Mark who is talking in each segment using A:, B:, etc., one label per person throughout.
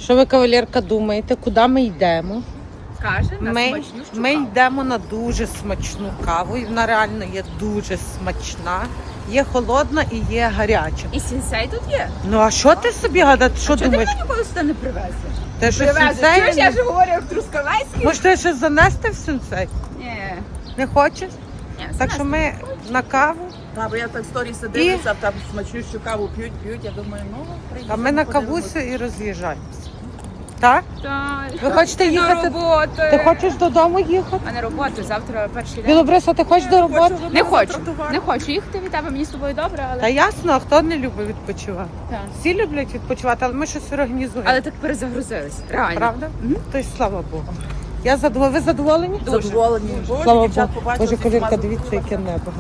A: Що ви, кавалерка, думаєте, куди ми йдемо?
B: Каже, на смачну
A: Ми йдемо на дуже смачну каву, і вона реально є дуже смачна. Є холодна і є гаряча.
B: І сінсей тут є?
A: Ну а що ти собі гадати? Що
B: Чого ти
A: думаєш?
B: мене ніколи сюди не привезеш?
A: Ти що
B: Привезеш. Чуєш, я
A: сенсей?
B: ж говорю як Трускавецький?
A: Може, ти ще занести в сенсей?
B: Ні.
A: Не хочеш?
B: Ні,
A: Так що ми на каву,
C: Та, бо я так сторіси дивлюся, там смачнющу каву п'ють, я думаю, ну, приїдемо.
A: а ми на
C: подивимось.
A: кавусю і роз'їжджаємося. Так?
B: Так.
A: Ви хочете
B: На
A: їхати?
B: роботу.
A: Ти хочеш додому їхати?
B: А на роботу, завтра перший день.
A: Білобриса, ти хочеш до роботи?
B: Не хочу. Не хочу їхати від тебе, мені з тобою добре,
A: Та
B: але...
A: ясно, а хто не любить відпочивати?
B: Так.
A: Всі люблять відпочивати, але ми щось організуємо.
B: Але так перезагрузились, реально.
A: Правда? То й слава Богу. Я задоволена. Ви задоволені?
C: Задоволені. Боже,
A: Слава
C: дівчат
A: Богу.
C: побачили,
A: Боже,
C: всі
A: кавірка,
C: змазали
A: дивіться,
C: кулаки.
A: яке небо.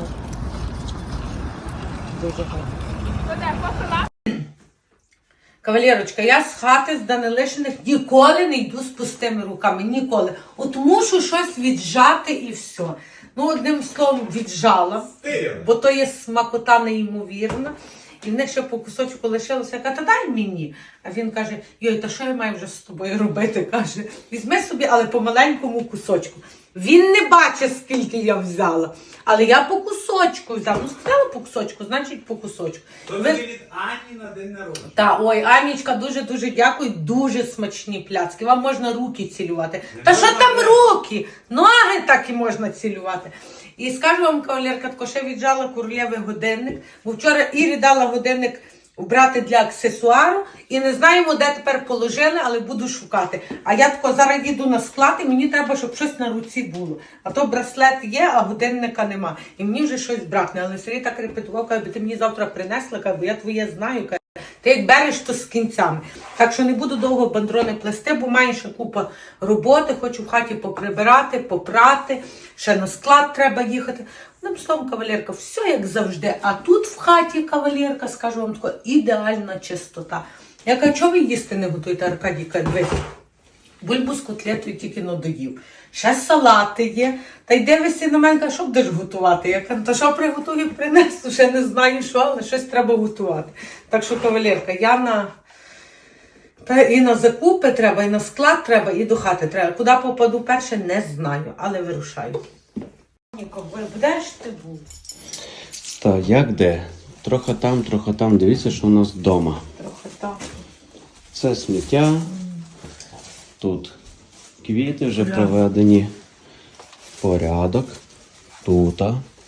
A: Дуже гарно. Кавалерочка, я з хати з Данилишиних ніколи не йду з пустими руками. Ніколи. От мушу щось віджати і все. Ну, одним словом, віджала, бо то є смакота неймовірна. І в них ще по кусочку лишилося. Я кажу, та дай мені. А він каже, йой, та що я маю вже з тобою робити? Каже, візьми собі, але по маленькому кусочку. Він не бачить, скільки я взяла. Але я по кусочку взяла. Ну, сказала по кусочку, значить по кусочку.
D: То тобі від Ані на день народження.
A: Та, ой, Анічка, дуже-дуже дякую. Дуже смачні пляцки. Вам можна руки цілювати. Та що там руки? Ноги так і можна цілювати. І скажу вам, кавалерка, тако ще віджала королєвий годинник. Бо вчора Ірі дала годинник брати для аксесуару. І не знаємо, де тепер положили, але буду шукати. А я тако зараз їду на склад, і мені треба, щоб щось на руці було. А то браслет є, а годинника нема. І мені вже щось бракне. Але Сергій так репетував, каже, ти мені завтра принесла, каже, бо я твоє знаю. Каже, ти як береш, то з кінцями. Так що не буду довго бандрони плести, бо маю ще купа роботи, хочу в хаті поприбирати, попрати, ще на склад треба їхати. Одним словом, кавалерка, все як завжди. А тут в хаті, кавалерка, скажу вам тако, ідеальна чистота. Я кажу, чого ви їсти не готуєте, Аркадій, каже, дивись. Бульбу з котлетою тільки надоїв. Ще салати є. Та й дивишся на мене, каже, що будеш готувати? Я кажу, та що приготую, принесу, ще не знаю що, але щось треба готувати. Так що, кавалерка, я і на закупи треба, і на склад треба, і до хати треба. Куди попаду перше, не знаю, але вирушаю. Будеш ти був?
D: Так, як де? Трохи там. Дивіться, що у нас вдома.
A: Трохи так.
D: Це сміття. Тут квіти вже приведені в порядок. Тут.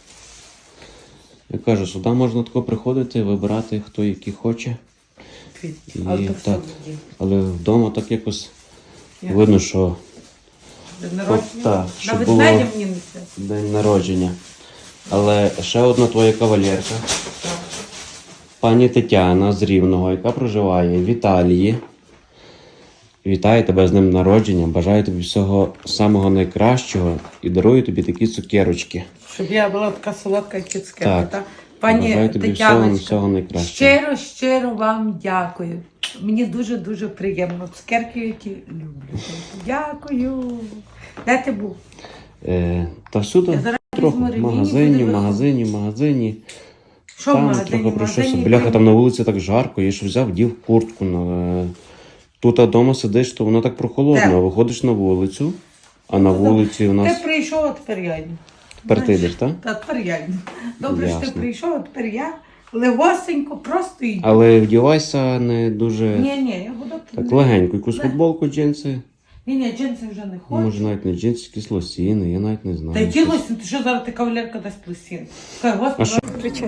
D: Я кажу, сюди можна тако приходити, вибирати, хто який хоче. І так. Але вдома так якось видно, що так, що
A: На
D: було
A: ведмедя мені несе.
D: день народження. Але ще одна твоя кавалерка. Пані Тетяна з Рівного, яка проживає в Італії. Вітаю тебе з днем народження. Бажаю тобі всього самого найкращого і дарую тобі такі цукерочки.
A: Щоб я була така солодка, як цукерка,
D: Так.
A: так? Пані
D: Бажаю тобі
A: Тетяночка,
D: всього найкращого.
A: щиро вам дякую. Мені дуже-дуже приємно. Цукерки, які люблю. Дякую. Де ти був?
D: Та всюди
A: Я зараз
D: трохи.
A: візьму
D: В
A: ремінь і
D: магазині,
A: буду
D: в магазині.
A: Що в
D: Там
A: магазині?
D: трохи
A: В
D: пройшовся.
A: магазині
D: Бляха, там на вулиці так жарко, я ж взяв, дів куртку. Тут вдома сидиш, то воно так прохолодно.
A: Так.
D: А виходиш на вулицю, а на вулиці у нас...
A: Ти прийшов, а тепер я йду.
D: Тепер ти йдеш, так?
A: Та тепер я йду. Добре, що ти
D: Ясно.
A: прийшов, а тепер я легосенько просто йду.
D: Але вдівайся не дуже
A: Ні, я буду...
D: так легенько. Якусь футболку, джинси.
A: Ні, джинси вже не хочу.
D: Може навіть не джинси, якісь лосіни, я навіть не знаю.
A: Та які лосін? Ти що зараз ти кавалерка дасть лосін? Хай, господи.
E: Кричай.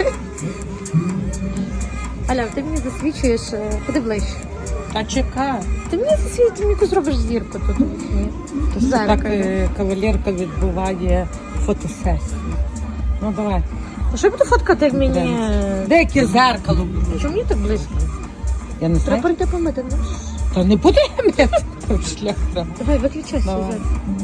E: Аля, ти мені засвічуєш, ходи ближче.
A: Та чекай.
E: Ти мені засвічуєш, ти мені якусь зробиш зірку тут. Зараз.
A: Так кавалерка відбуває фотосесію. Ну давай.
E: А що я буду фоткати, як мені...
A: Деяке зеркало буде.
E: Чому мені так близько?
A: Я не знаю.
E: Треба прийти помити, ну?
A: Та не буде мити шлях треба.
E: Давай, виключайся
A: Давай.
E: зараз.